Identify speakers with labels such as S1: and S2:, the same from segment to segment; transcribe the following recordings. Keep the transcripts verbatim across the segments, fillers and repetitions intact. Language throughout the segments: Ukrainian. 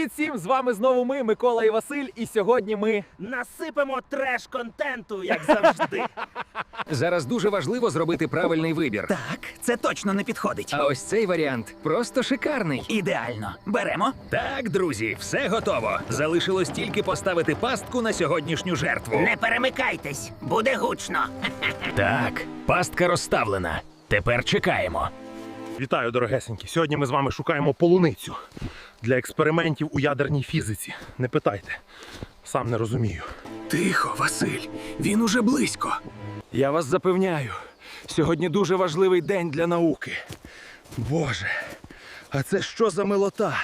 S1: Привіт всім! З вами знову ми, Микола і Василь, і сьогодні ми...
S2: Насипемо треш-контенту, як завжди.
S3: Зараз дуже важливо зробити правильний вибір.
S4: Так, це точно не підходить.
S3: А ось цей варіант просто шикарний.
S4: Ідеально. Беремо.
S3: Так, друзі, все готово. Залишилось тільки поставити пастку на сьогоднішню жертву.
S2: Не перемикайтесь, буде гучно.
S3: Так, пастка розставлена. Тепер чекаємо.
S5: Вітаю, дорогесенькі! Сьогодні ми з вами шукаємо полуницю для експериментів у ядерній фізиці. Не питайте, сам не розумію.
S4: Тихо, Василь. Він уже близько.
S5: Я вас запевняю, сьогодні дуже важливий день для науки. Боже, а це що за милота?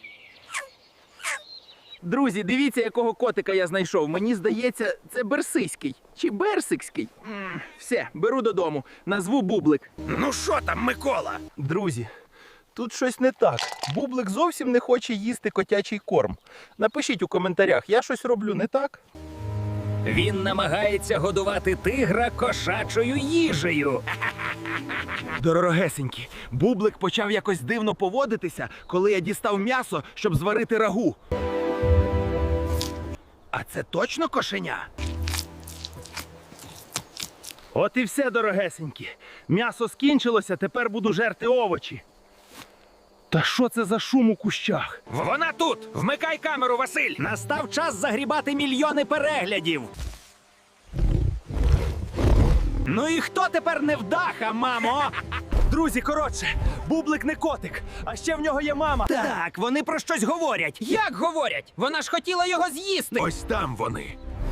S1: Друзі, дивіться, якого котика я знайшов. Мені здається, це берсиський. Чи берсикський. М, Все, беру додому. Назву Бублик.
S4: Ну що там, Микола?
S1: Друзі, тут щось не так. Бублик зовсім не хоче їсти котячий корм. Напишіть у коментарях, я щось роблю не так?
S3: Він намагається годувати тигра кошачою їжею.
S1: Дорогесенькі, Бублик почав якось дивно поводитися, коли я дістав м'ясо, щоб зварити рагу. А це точно кошеня? От і все, дорогесенькі. М'ясо скінчилося, тепер буду жерти овочі. Та що це за шум у кущах?
S3: Вона тут! Вмикай камеру, Василь! Настав час загрібати мільйони переглядів.
S1: Ну і хто тепер невдаха, мамо? Друзі, коротше, Бублик не котик, а ще в нього є мама.
S3: Так, вони про щось говорять. Як говорять? Вона ж хотіла його з'їсти.
S4: Ось там вони.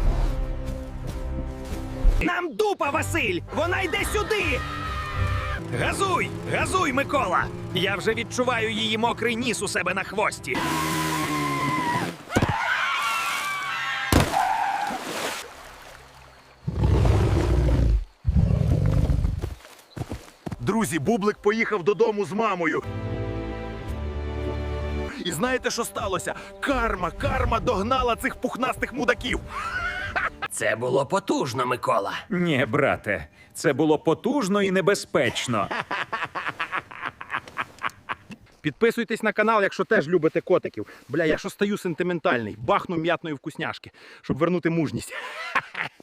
S3: Нам дупа, Василь! Вона йде сюди! Газуй! Газуй, Микола! Я вже відчуваю її мокрий ніс у себе на хвості.
S5: Друзі, Бублик поїхав додому з мамою. І знаєте, що сталося? Карма, карма догнала цих пухнастих мудаків.
S2: Це було потужно, Микола.
S6: Ні, брате, це було потужно і небезпечно.
S1: Підписуйтесь на канал, якщо теж любите котиків. Бля, я що стаю сентиментальний. Бахну м'ятної вкусняшки, щоб вернути мужність.